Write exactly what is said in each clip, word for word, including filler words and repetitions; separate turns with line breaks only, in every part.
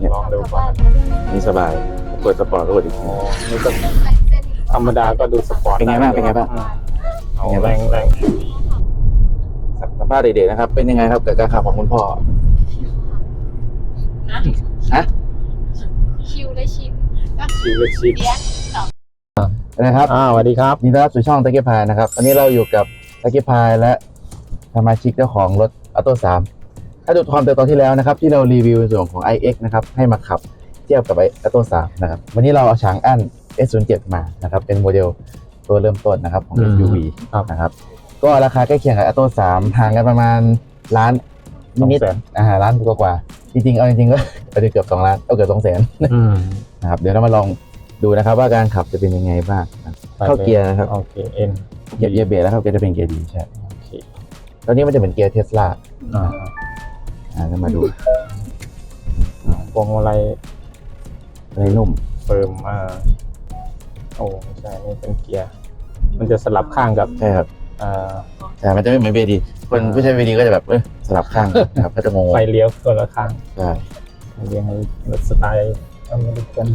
ลองดูก่อนนี่สบายกดสปอร์ตก็กดอีกทีนี่ก็ธรรมดาก็ดูสปอร์ตเป็นไงบ้างเป็นไงบ้างเอาแรงแรงสัมภาษณ์เด็กๆนะครับเป็นยังไงครับกับการขับของคุณพ่อฮะ
คิวและชิม
ชิวเลยชิว
เลี้ยงสอง
นะครับอ่าสวัสดีครับยินดีต้อนรับสู่ช่องตะเกียบพายนะครับวันนี้เราอยู่กับตะเกียบพายและสมาชิกเจ้าของรถออโต้สามถ้าดูความเติบโตที่แล้วนะครับที่เรารีวิวในส่วนของ ไอ เอ็กซ์ นะครับให้มาขับเทียบกับไอออโต้สามนะครับวันนี้เราเอาฉางอั้น เอส ศูนย์ เจ็ด มานะครับเป็นโมเดลตัวเริ่มต้นนะครับของ เอส ยู วี นะครับก็ราคาใกล้เคียงกับออโต้สามห่างกันประมาณล้านนิดๆอ่าล้านกว่าๆจริงๆเอาจริงๆก็ไปเกือบสองล้านเอาเกือบสองแสนนะครับเดี๋ยวเรามาลองดูนะครับว่าการขับจะเป็นยังไงบ้างเข้าเกียร์นะครับ
โอเคเอ็น
เหยียบเหยียบเบรกแล้วครับเกียร์จะเป็นเกียร์ดีใช่
โอเค
ตอนนี้มันจะเหมือนเกียร์เทสลา
อ่า
อ่าจะมาดู
พวงมาลัย
อะไรนุ่ม
เฟิร์มอ่าโอ้ไม่ใช่นี่เป็นเกียร์มันจะสลับข้างกับ
ใช่ครับ
อ่า
แต่มันจะไม่เหมือนเบรดีคนผู้ใช้เบรดีก็จะแบบเออสลับข้างนะครับก็จะงง
ไฟเลี้ยวคนละข้าง
ใช่
เรียงรถสไตล์อเมริกัน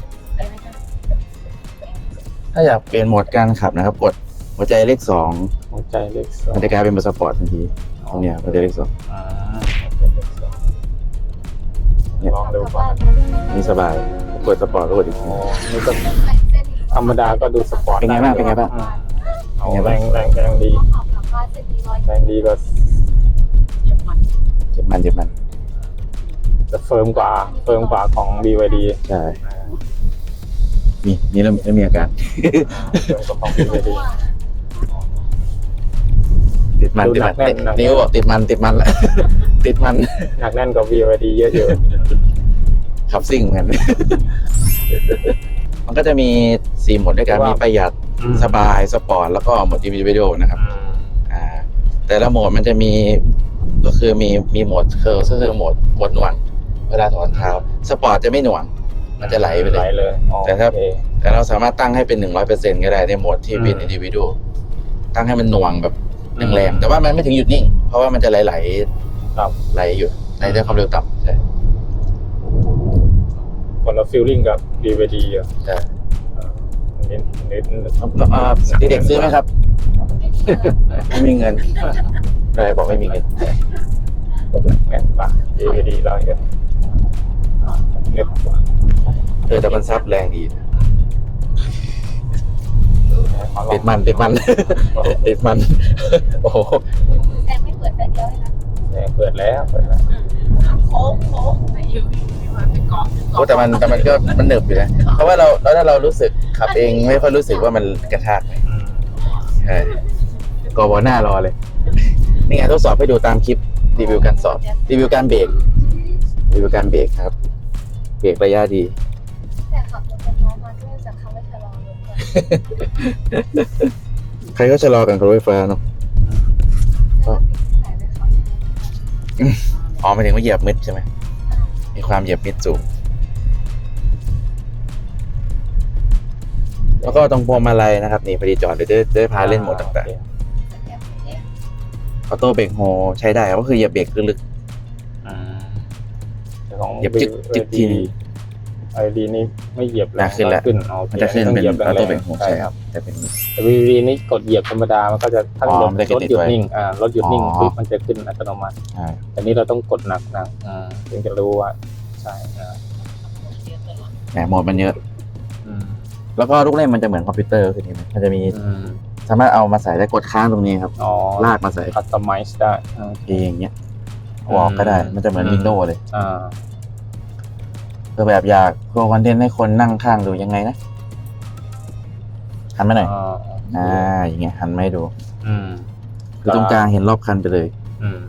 ถ้าอยากเปลี่ยนโหมดการขับนะครับกดหัวใจเลขสอง
หัวใจเลขสอง
มันจะกลายเป็นสปอร์ตทันทีตรงเนี้ยหัวใจเลขสอง
อ่าหัวใจเลขสองลองดูก่อน
นี่สบายกดสปอร์ตก็กดอีกที
นี่ก็ธรรมดาก็ดูสปอร์ต
เป็นไงบ้างเป็นไงบ้าง
เอาแรงแรงแรงดีแรงดีก็
เจ็บมันเจ็บมัน
จะเฟิร์มกว่าเฟิร์มกว่าของ บี วาย ดี
ใช่มีนี่เริ่มเริ่มมีอาการ
เฟิร์มกว่าของ บี วาย ดี
ติดมันติดมันนิ้วบอกติดมันติดมันแหละ ติดมัน
หนักแน่นกว่า บี วาย ดี เยอะ
ขับซิ่งเหมือนกัน มันก็จะมีสี่โหมดด้วยกันมีประหยัดสบายสปอร์ตแล้วก็โหมดอินดิวิโดนะครับอ่าแต่ละโหมดมันจะมีก็คือมีมีโหมดเคอร์ก็คือโหมดโหมดหน่วงเวลาถอนเท้าสปอร์ตจะไม่หน่วงมันจะไหลไป
ๆ
เล
ไหล
ย
เลย
แต่ถ้า
โอเค
แต่เราสามารถตั้งให้เป็นหนึ่งร้อยเปอร์เซ็นต์ก็ได้ในโหมดที่เป็นอินดิวิโดตั้งให้มันหน่วงแบบแรงๆแต่ว่ามันไม่ถึงหยุดนิ่งเพราะว่ามันจะไหลๆ
ครับ
ไหลอยู่ไหลด้วยความเร็วต่ำใช่
คนละฟีลลิ่งกับ บี วาย ดี อ่ะ
ใช่
เออเน้นเน้น
อ่าเด็กๆซื้อไหมครับ ไม่มีเงินอะไรบอกไม่มีเงิน
แม่นปะ บี วาย ดี เราเยอะเรียบกว่า
เออแต่มันซับแรงดีติดมันติดมัน ติดมัน โอ้โห
แต่ไม่เปิดแต่เดียวเลยนะ
แรงเปิดแล้วเปิดแล้ว
โค้งโค้งไม่ยืมไม่มาเป็นเกาะ
โอ้แต่มันแต่มันก็มันหนึบอยู่นะเพราะว่าเราแล้วถ้าเรารู้สึกขับเองไม่ค่อยรู้สึกว่ามันกระชากใช่กอบหน้ารอเลย นี่ไงทดสอบให้ดูตามคลิปรีวิวการสอบรีวิวการเบรกรีวิวการเบรกครับเบรกระยะดี
แต่ขับรถเป็นน้องมาด้วยจากคำว่าชะลอรถเลย
ใครก็ชะลอกันกับรถไฟฟ้าเนาะ
แล้วก็ติดสายไปขับ
อ๋อหมายถึงว่าเหยียบมิดใช่ไหมมีความเหยียบมิดสูงแล้วก็ตรงพวงมาลัยนะครับนี่พอดีจอดเดี๋ยวจะจะได้พาเล่นโหมดต่างๆออโต้เบรกโฮใช้ได้ครับก็คือเหยียบเบรกลึก
อืมแต่ของ
เหยียบจึ๊กจึ๊กทีนึง
ไอดีนี่ไม่เหยียบ
ๆนะขึ้นแล้ว
ขึ้นโอเค
มันจะขึ้น
ต้อง
เป็น
หยีย
ออโต้เบรกโฮ
ใช่
ใช่
ค
ค
รั
รั
บบ
แต่เป็น
แต่วีดีนี่กดเหยียบธรรมดามันก็จะถ้า
อ๋อ
รถ
มันจะ
รถ
ติด
หยุด
ไว้
นิ่งอ่ารถหยุดนิ่ง
อ๋อ
ปุ๊บมันจะขึ้นอัตโนมัติ
ใช่
แต่นี่เราต้องกดหนักหนักๆอ่าถึงจะรู้ว่าใช่อ่า
แหมโหมดมันเยอะ
อืม
แล้วก็ลูกเล่นมันจะเหมือนคอมพิวเตอร์คือนี่ไหมมันจะมี
อืม
สามารถเอามาใส่ได้กดค้างตรงนี้ครับ
อ๋อ
ลากมาใส่
คัสตอมไมซ์ได้อ่า
เองเงี้ยเอาออกก็ได้ มันจะเหมือน
อืม
วินโดว์เลย
อ่า
คือแบบอยากโชว์คอนเทนต์ให้คนนั่งข้างดูยังไงนะหันมาหน่อย
อ่า
อ่าอย่างเงี้ยหันมาให้ดู
อืม
คือตรงกลางเห็นรอบคันไปเลย
อืม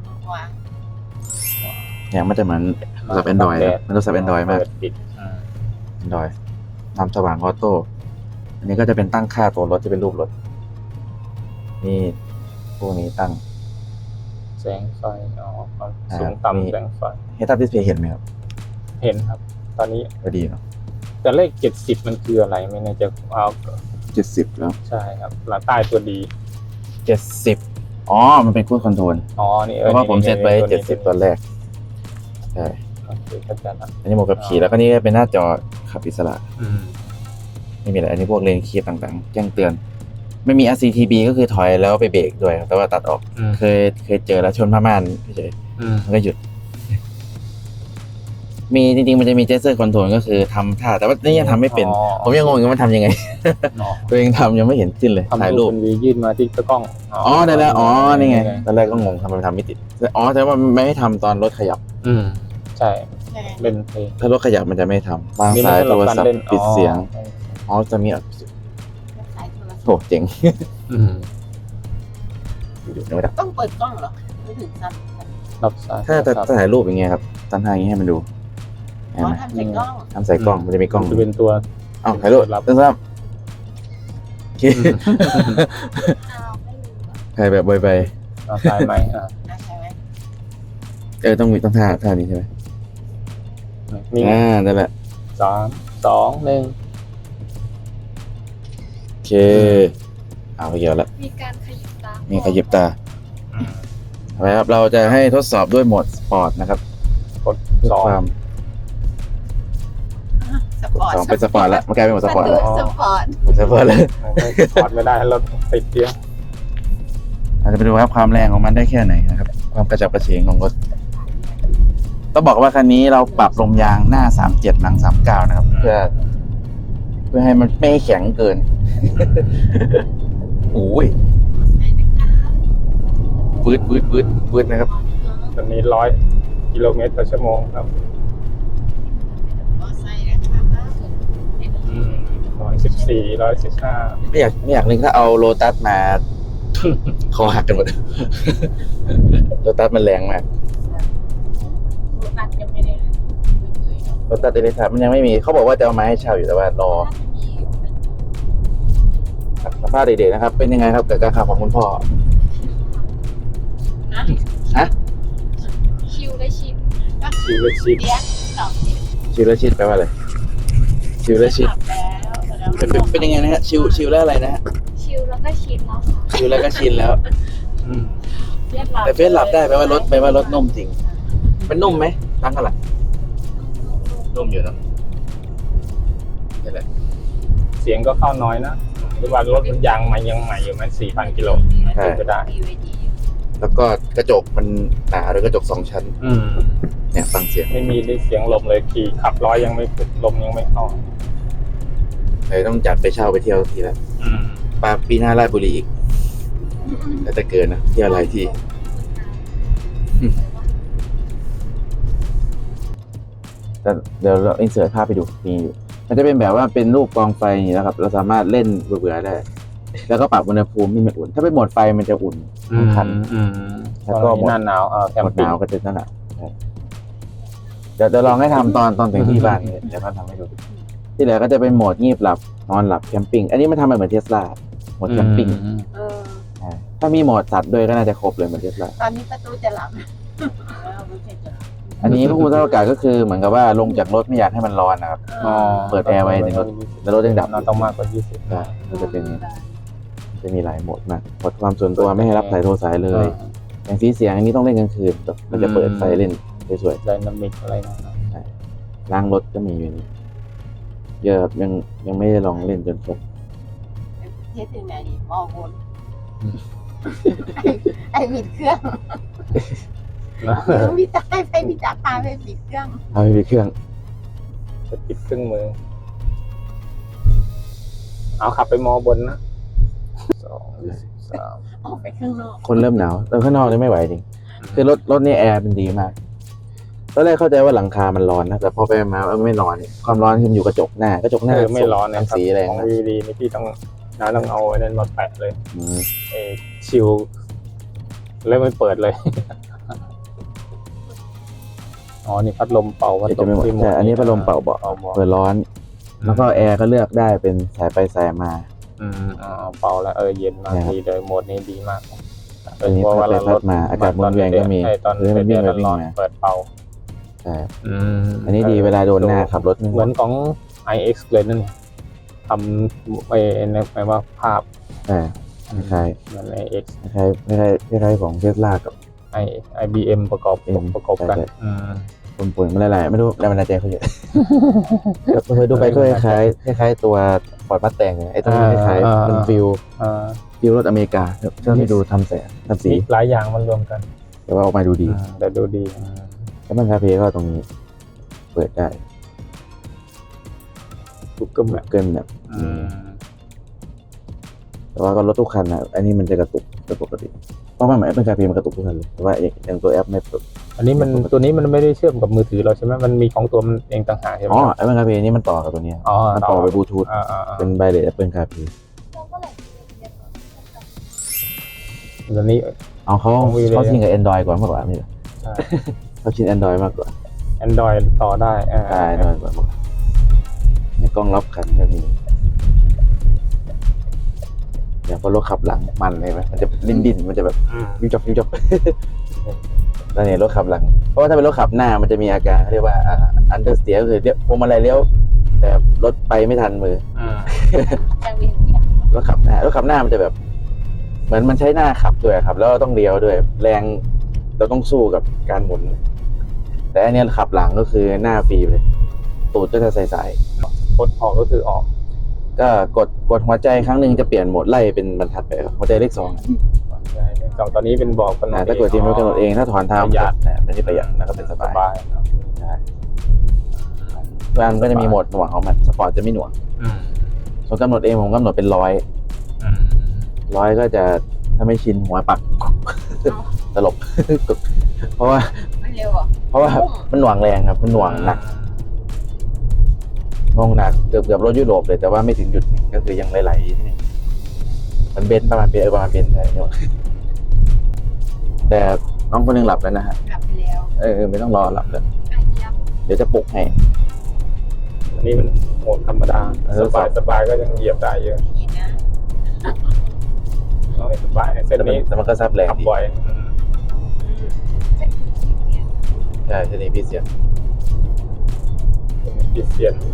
เนี่ยมันจะเหมือนโทรศัพท์แอนดรอยมันโทรศัพท์แอนดรอยมาก
เปิดปิดอ่า
แอนดรอยนำสว่างออโต้อันนี้ก็จะเป็นตั้งค่าตัวรถจะเป็นรูปรถนี่พวกนี้ตั้ง
แสงไฟอ๋อความ
อ่า
สูง
มี
ต่ำแสงไฟ
เฮดอัพดิสเพย์เห็นไหมครับ
เห็นครับ ตอนนี้
ก็ดีเนาะ
แต่เลขเจ็ดสิบมันคืออะไรไม่แน่ใจเอา
เจ็ดสิบแล้ว
ใช่ครับหลังใต้ตัวดี
เจ็ดสิบอ๋อมันเป็นคูดคอนโทรล
อ๋อนี่
เพราะว่าผมเซตไว้เจ็ดสิบตอนแรกใช่
เอโอเคเข้าใจละ
อันนี้โหมดขับขี่แล้วก็นี่เป็นหน้าจอขับอิสระ
อืม
ไม่มีอะไรอันนี้พวกเลนคีย์ต่างๆแจ้งเตือน ไม่มี อาร์ ซี ที บี ก็คือถอยแล้วไปเบรกด้วยครับแต่ว่าตัดออก
อืม
เคยเคยเจอแล้วชนผ้าม่านเฉย
อืม
ๆมันก็หยุด มีจริงๆมันจะมีเจสเซอร์คอนโทรลก็คือทำท่าแต่ว่านี่ยังทำไม่เป็น
อ๋อ
ผมยังงงอยู่ว่ามันทำยังไง
อ๋อ
ตัวเองทำยังไม่เห็นขึ้นเลย
ทำ
ถ่ายรูป
เป็นวียื่นมาที่กล้อง
อ๋อได้แล้วอ๋อนี่ไงตอนแรกก็งงทำไมมันทำไม่ติดอ๋อแต่ว่ามันไม่ให้ทำตอนรถขยับ
อืมใช่เล่นเพลง
ถ้ารถขยับมันจะไม่ทำวาง
นี่
สาย
มัน
โทรศัพ
เล่น
ท์ปิดเสียง
อ๋อ
อ๋อจะมีอ่ะ
สายโทรศัพท์
โหเจ๋ง
อืม
อยู่ไม่ได้
ต้องเปิดกล้องเหรอไม่ถึงสั้น
รับสาย
ถ้าจะถ้าถ่ายรูปอย่างเงี้ยครับตั้งท่าอย่างงี้ให้มันดู
อ๋
เห็น
อ
ไหม
ทำใส่กล้อง
ทำใส่กล้องมันจะมีกล้อง
จะเป็นตัว
เอ้าถ่ายรูป
รับ
ตั้งซ้ำโอเค
อ้าวไม่รู้อ่ะ
ถ่ายแบบไว
เอาสายใหม่อ่ะ
อ่ะใช่ไหม
ๆเออต้องมีต้องท่าท่านี้ใช่ไหม
นี่
อ่านั่นแหละ
สามสองหนึ่ง
โอเคเอาไปเกี่ยวแล้ว
มีการขยิบตา
มีขยิบตาเอาไปครับเราจะให้ทดสอบด้วยโหมดสปอร์ตนะครับ
กดสอง
ความ
สปอร์ต
สองเป็นสปอร์ตแล้วมันกลายเป็นโหมดสปอร์ตแล้ว
สปอร์ต
เป็นสปอร์ตแล้ว
ถอดไม่ได้เราติดเดียว
เราจะไปดูครับความแรงของมันได้แค่ไหนนะครับ ความกระจับกระเฉงของรถต้องบอกว่าคันนี้เราปรับลมยางหน้าสามสิบเจ็ดหลังสามสิบเก้านะครับ เพื่อ เพื่อให้มันไม่แข็งเกิน โอ้ยปืดปืดปืดปืดนะครับ
ตอนนี้ร้อยกิโลเมตรต่อชั่วโมงครับ
มอไซค์นะคะ
ร้อยสิบสี่ร้อยสิบห้า
ไม่อยากไม่อยากนึกถ้าเอาโลตัสมา คอหักกันหมด โลตัสมันแรงมาก
รถตัดยังไม่ได้เลย
โลตัสเอเลสมันยังไม่มีเขาบอกว่าจะเอามาให้เช่าอยู่แต่ว่ารอสัมภาษณ์เด็กๆนะครับ เป็นยังไงครับกับการขับของคุณพ่อ
นะ
ฮะ
ชิวและชิป
ชีวิตชีพ
เลี้ยงสองชิป
ชิวและชิดแปลว่าอะไรชิวและชิด
ขับแล้วแล้ว
เป็นเป็นเป็นยังไงนะฮะชิวชิวแล้วอะไรนะฮะ
ชิวแล้วก็ชินแล้วค่ะ
ชิวแล้วก็ชินแล้ว
อืม
แต่เฟซหลับได้แปลว่ารถแปลว่ารถนุ่มจริงเป็นนุ่มไหมตั้งกันหลังนุ่มอยู่เนอะนี่แหละ
เสียงก็เข้าน้อยนะหรือว่ารถมันยางใหม่ยังใหม่อยู่มันสี่พันกิโลก็ได้
แล้วก็กระจกมันหนาด้วยกระจกสองชั้น
อืม
เนี่ยฟังเสียง
ไม่มีได้เสียงลมเลยขี่ขับร้อยยังไม่ขึ้นลมยังไม่เข้า
เลยต้องจัดไปเช่าไปเที่ยวทีละ
อืม
ปาปีหน้าราชบุรีอีกแต่จะเกินนะเที่ยวหลายที่แต่เดี๋ยวเราอินเสิร์ตภาพไปดูมีอยู่มันจะเป็นแบบว่าเป็นรูปกองไฟอย่างนี้นะครับ เราสามารถเล่นเบื่อๆได้ แล้วก็ปรับอุณหภูมิให้มันอุ่น ถ้าเป็นโหมดไฟมันจะอุ่นทั้งคัน
อืม
แล้วก็
หน้าหนาวเออแคม
หมดห
ปิ้ง
นาวก็จะนั่นแหละใช่เดี๋ยวจะลองให้ทำตอนตอนถึงที่บ้านเนี่ยเดี๋ยวเขาทำให้ดู ที่เหลือก็จะเป็นโหมดงีบหลับนอนหลับแคมปิ้ง อันนี้มันทำเหมือนเทสลาโหมดแคมปิ้ง
อืม
เออ
ใช่ถ้ามีโหมดสัตว์ด้วยก็น่าจะครบเลยเหมือนเทสลา
ตอนนี้ประตูจะหลับไม่ใช่จะหลับ
อันนี้ผู้คุมสภาพอากาศก็คือเหมือนกับว่าลงจากรถไม่อยากให้มันร้อนนะครับ
อ๋อ
เปิดแอร์ไว้ในรถ แล้วรถยังดับ
น่าต้องมากกว่ายี่สิบ
ใช่ก็จะเป็นจะมีหลายโหมดมากโหมดความส่วนตัวไม่ให้รับสายโทรสายเลย อย่างสีเสียงอันนี้ต้องเล่นกลางคืนแบบมันจะเปิดไฟเล่นสวย
ไดนามิกอะไรนะ
ๆล้างรถก็มีอยู่นี่เยอะครับยังยังไม่ได้ลองเล่นจนครบ
เทสถึงไหนมองบนไอ้บิดเครื่องพี่ตาให้ไปพี่ตาพาไปบิดเครื่อง
เอาไปเครื่อง
จะปิดเครื่องมือ เอาขับไปมอบนนะสองสาม
ออกไปข้างนอก
คนเริ่มหนาวเออข้างนอกนี่ไม่ไหวจริงคือรถรถนี่แอร์เป็นดีมากตอนแรกเข้าใจว่าหลังคามันร้อนนะแต่พอไปมาเออไม่ร้อนความร้อนคือมันอยู่กระจกหน้ากระจกหน้า
เออไม่ร้อนนะ
ทำสีแรง
ของ
นะ
วีดีนี่พี่ต้องน้าต้องเอาไอ้นั่นมาแปะเลย
อืม
เอชิลแล้วไม่เปิดเลย อ๋อ นี่พัดลมเป่าพัด
เดี๋ยว
ล
จะ
ม
ไม่หมด
ที่
แต่อันนี้พัดลมเป่าเบาะ
เป่าเบาะ
เปิดร้อน แล้วก็แอร์ก็เลือกได้เป็นสายไปสายมา
อืมอ๋อเป่าแล้วเออเย็นมาก
นะครับ
ดีเลยโหมดนี้ดีมาก
อันนี้พัดไปพัดมาอากาศหมุนเวียนก็มี
ใช่ตอน
หรือมันวิ่งไปวิ่ง
ร้อน
มา
ๆเปิดเป่า
ใช่
อืม
อันนี้ดีเวลาโดนหน้าขับรถ
เหมือนของ ไอ เอ็กซ์ เลยนั่นเนี่ยทำไปในหมายว่าภาพ
ใช่คล้าย
เหมือน ไอ เอ็กซ์
ๆคล้ายๆคล้ายๆคล้ายๆของเทสลากับ
ไอ ไอ บี เอ็ม ประกอบ
เอ็ม
ประกอบกัน
ใช่
อืม
โปรปนๆมันหลายๆไม่รู้แรงบันดาลใจเขาเยอะเคยดูไปก็คล้ายๆคล้ายๆตัวฟอร์ดมัสแตงไอ้ตัวนี้คล้ายๆมันฟิลฟิลรถอเมริกาเชื่อไม่ดูทำแสงทำสี
หลายอย่างมันรวมกัน
แต่ว่าออกมาดูดี
แต่ดูดี
แล้วมันคาเฟ่ก็ตรงนี้เปิดได้
ทุกกลุ่มแบบ
เกินแบบแต่ว่าก็รถทุกคันนะอันนี้มันจะกระตุกเป็นปกติเพราะว่ามันเป็นคาเฟ่มันกระตุกทุกคันเลยแต่ว่าอย่างตัวแอปไม่ปก
อันนี้มันตัวนี้มันไม่ได้เชื่อมกับมือถือเราใช่ไหมมันมีของตัวมันเองต่างหากใช่ไหม
อ๋อไอ้เป็นคาเฟ่นี่มันต่อกับตัวนี้มันต่อไปบลูทูธเป็นไบเลสแอปเปิลคาเฟ่
เราก็เลยเรียนก่อน
ตัวนี้
เอาเขาเขาชินกับ Android ก่อนมากกว่านี่เขาชิน Android มากกว่า
Android ต่อได้อ่า
ใช่ Android กว่าในกล้องรับขันก็มีอย่างพอรถขับหลังมันเลยไหมมันจะดิ้นดิ้นมันจะแบบวิวจับวิวจับแล้วเนี่ยรถขับหลังเพราะว่าถ้าเป็นรถขับหน้ามันจะมีอาการเรียกว่าอันเดอร์สเตียร์ก็คือเรียกพวงมาลัยเลี้ยวแต่รถไปไม่ทันมือ
ยังมีอย่าง
รถขับหน้ารถขับหน้ามันจะแบบเหมือนมันใช้หน้าขับด้วยครับแล้วต้องเลี้ยวด้วยแรงเราต้องสู้กับการหมุนแต่อันนี้ขับหลังก็คือหน้าฟรีเลยตูดก็จะใสๆ
กดออกก็คือออก
ก็กดกดหัวใจครั้งหนึ่งจะเปลี่ยนโหมดไล่เป็นบรรทัดไปหัวใจเลขสอง
สองตอนนี้เป็นบอกกัน
ถ้ากดทีมรถกำหนดเองถ้าถอนเท้า
ประหยัด
ไม่ได้ประหยัดแล้วก็เป็นสบาย
สบาย
ใช่บางก็จะมีโหมดหน่วงของมันสปอร์ตจะไม่หน่วงส่วนกำหนดเองผมกำหนดเป็นร้อยร้อยก็จะถ้าไม่ชินหัวปักตลบ เพราะว่า
ไม่เร็วอ่ะ
เพราะว่ามันหน่วงแรงครับมันหน่วงหนักงงหนักเกือบเกือบรถยุโรปเลยแต่ว่าไม่ถึงจุดก็คือยังไหลๆที่นี่มันเบนประมาณเบนเออประมาณเบนใช่ไหมแต่น้องคนนึงหลับแล้วนะฮะ
กลับไปแล้ว
เออไม่ต้องรอหลับเลย
ไอ้ยับ
เดี๋ยวจะปลุกให้
อันนี้มันโหมดธรรมดาสบายสบายก็ยังเหยียบได้เยอะ
อีกนะ
น้อยสบายเส้นนี้
แต่มันก็ซับแรง
ขับ
ดี
บ่อย
ใช่เส้นนี้พี่เสีย
ปิดเสียน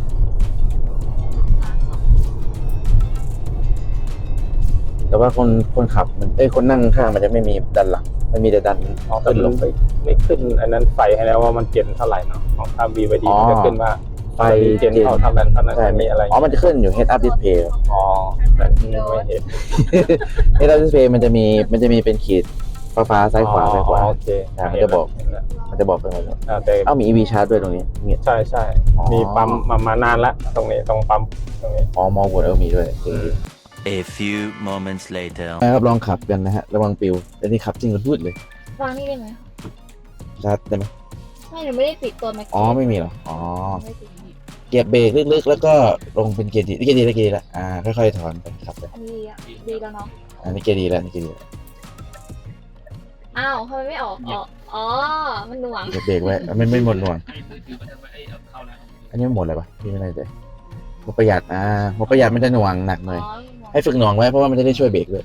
แต่ว่าคนคนขับมันเอ้ยคนนั่งข้างมันจะไม่มีดันหลังมันมีแต่ดัน
อ๋อแต่มันไม่ไม่ขึ้นอันนั้นไฟให้แล้วว่ามันเจนเท่าไหร่เนาะของถ้า บี วาย ดี มันจะขึ้นว่า
ไฟ
เจนเท่าเท่านั้นเท่านั้น
ใช่
มีอะไร
อ๋อมันจะขึ้นอยู่ head up display
อ๋อแต่ไม่เห็น
head up display มันจะมีมันจะมีเป็นขีดฟ้าฟ้าซ้ายขวาซ้ายขวา
โอเค
อ่ามันจะบอก มันจะบอกไปหมดเลย
แต่
เอ้ามี อี วี ชาร์จด้วยตรงนี้เนี่ย
ใช่ใช่
อ๋อ
มีปั๊มมามานานละตรงนี้ตรงปั๊มตรงนี้
อ๋อมองบนเออมีด้วยจริง
A few moments later.
ๆนะครับลองขับกันนะฮะระวังปิวแต่นี่ขับจริงกันพูดเลยว
างนี่ได้ไหม
ชาร์จได้ไหม
ไม่หนูไม่ได้ปิดตัวแม็ก
อ๋อไม่มีเหรออ๋อ
ไม่ปิด
เกียร์เบรกลึกๆแล้วก็ลงเป็นเกียร์ดีเกียร์ดีแล้วเกียร์ดีแล้วอ่าค่อยๆถอนไปขับไป
อันนี้ดีอะดีแล้วเนาะ
อันนี้เกียร์ดีแล้วนี่เกียร์ดีแล้ว
อ้าวทำไมไม่ออกอ๋ออ๋อมันหน่วง
เกียร์เบรกไว้ไม่ไม่หมดหน่วงอันนี้มันหมดอะไรปะพี่ไม่แน่ใจหมดประหยัดอ่าหมดประหยัดมันจะหน่วงหนักหน่อย
อ๋อ
ให้ฝึกหน่วงไว้เพราะว่ามันจะได้ช่วยเบรกด้วย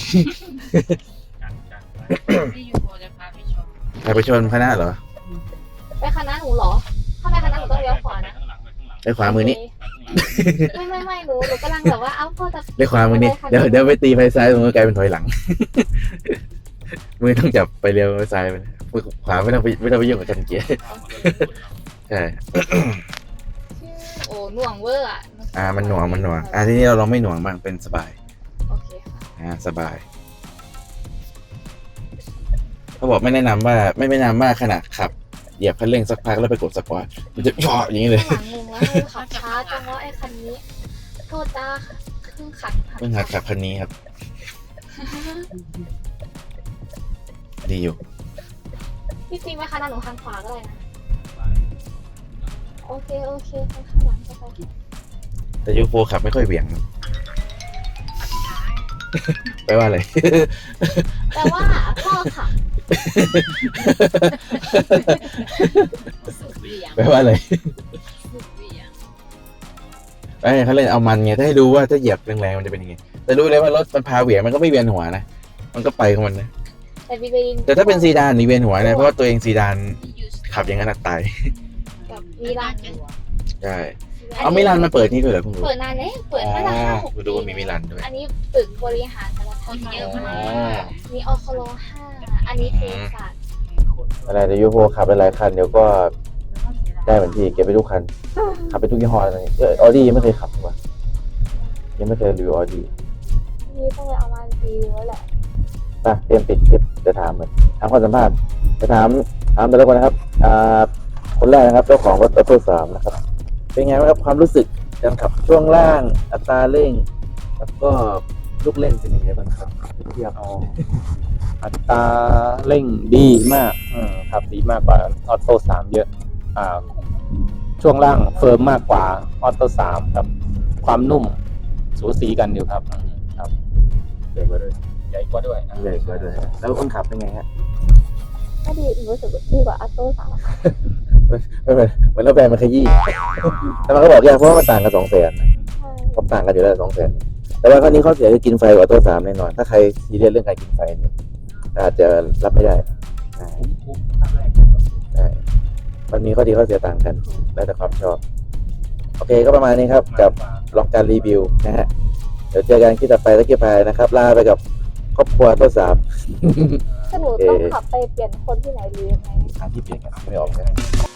ที่อยู่โบจะพาไปชม
ใครไปชนคณะเหรอ
ไปคณะหนูเหรอถ้าไปคณะหนูต้องเลี้ยวขวานะ
ไปขวามือนี้
ไม่ไม่ไม่หนูหนูกำลังแบบว่าเอ้าพ่อจะ
ไปขวามือนี้เดี๋ยวเดี๋ยวไปตีไปซ้ายตรงนู้นกลายเป็นถอยหลัง มือต้องจับไปเร็วไปซ้ายไปมือขวาไม่ต้องไปไม่ต้องไปยุ่งกับคันเกียร์ใช่
โอ้หน่วงเวอร์อ่ะ
อ่ามันหน่วงมันหน่วงอ่าทีนี้เราลองไม่หน่วงบ้างเป็นสบาย
โอเคค่ะ
อ่าสบายเขาบอกไม่แนะนำว่าไม่แนะนำว่าขณะขับเหยียบคันเร่งสักพักแล้วไปกดสปอร์ตมันจะย่ออย่างนี้เลย
หลังงงแล้วคือขับช้าจังว่าไอ้คันนี้โทษจ้าเพิ่งขัด
เพิ่งหัดขับคันนี้ครับ ดีอยู่
พี่ฟิล์มไปคณะหนูทางขวาก็ได้นะโอเคโอเคไปข้างหลังก็ไป
แต่ยูโฟขับไม่ค่อยเหวี่ยง ไปว่าอะไร
แต่ว่าพ่อขับสุดเบี่ยง
ไปว่าอะไร
สุดเบี่ยง
ไอ้เขาเล่นเอามันไงถ้าให้ดูว่าถ้าเหยียบแรงๆมันจะเป็นยังไงแต่รู้เลยว่ารถมันพาเหวี่ยงมันก็ไม่เวียนหัวนะมันก็ไปของมันนะ
แต่บีเบน
แต่ถ้าเป็นซีดานนี่เวียนหัวนะเพราะว่าตัวเองซีดานขับอย่างนั้นตาย
กับมิลาน
ใช่เอามิลานมาเปิดนี่ด้วยเหรอเพิ่งรู้
เปิดนานแล้วเปิดมาตั้งห้าหก
กู
ปี
ดูว่ามีมิลานด้วย
อันนี้ตึกบริหารสารพัดเยอะมากมีอคโลห้าอันนี้เทสัต
อะไรเดี๋ยวยูโฟขับหลายๆคันเดี๋ยวก็ได้เหมือนพี่เก็บไปทุกคันขับไปทุกยี่ห้อเลยเออออดี้ยังไม่เคยขับเลยว่ะยังไม่เคยรีวิวออดี้
นี่ต้องไปเอามารีวิวแล้วแหละ
ไปเตรียมปิดคลิปจะถามเลยถามความสัมภาษณ์จะถามถามแต่ละคนนะครับอ่าคนแรกนะครับเจ้าของรถออโต้สามนะครับ เป็นไงบ้างครับความรู้สึกการขับช่วงล่างอัตราเร่ง แล้วก็ลูกเล่นเป็นยังไงบ้างครับเทียบ
อ๋ออัตราเร่งดีมากอืมครับดีมากกว่าออโต้สามเยอะอ่าช่วงล่างเฟิร์มมากกว่าออโต้สามครับ ความนุ่มสูสีกันอยู่ครับอืมครับ
ใหญ่กว่าด้วย
ใหญ่กว่าด้วย
ใหญ่กว่าด้วยแล้วคนขับเป็นไงฮะ
ก็ดีรู้สึกดีกว่าอัตโต้สาม
ไม่เหมือนเหมือนเราแบนมันขยี้ แต่มันก็บอกยากเพราะว่ามันต่างกันสองแสน
ใช่
ผมต่างกันอยู่แล้วสองแสนแต่ว่าข้อนี้ข้อเสียคือกินไฟกว่าตัวสามแน่นอน ถ้าใครซีเรียสเรื่องการกินไฟเนี่ยอาจจะรับไม่ได้ใช่ใช่มันมีข้อดีข้อเสียต่างกัน แล้วแต่ความชอบ โอเคก็ประมาณนี้ครับ กับลองการรีวิวนะฮะ เดี๋ยวเจอกันคลิปต่อไปตะกี้พายนะครับ ลาไปกับครอบครัวตัวสาม
ถ้าหนูต้องขับไปเปลี่ยนคนที่ไหนหรือยังไง
ทางที่เปลี่ยนกันไม่ออกใช่ไหม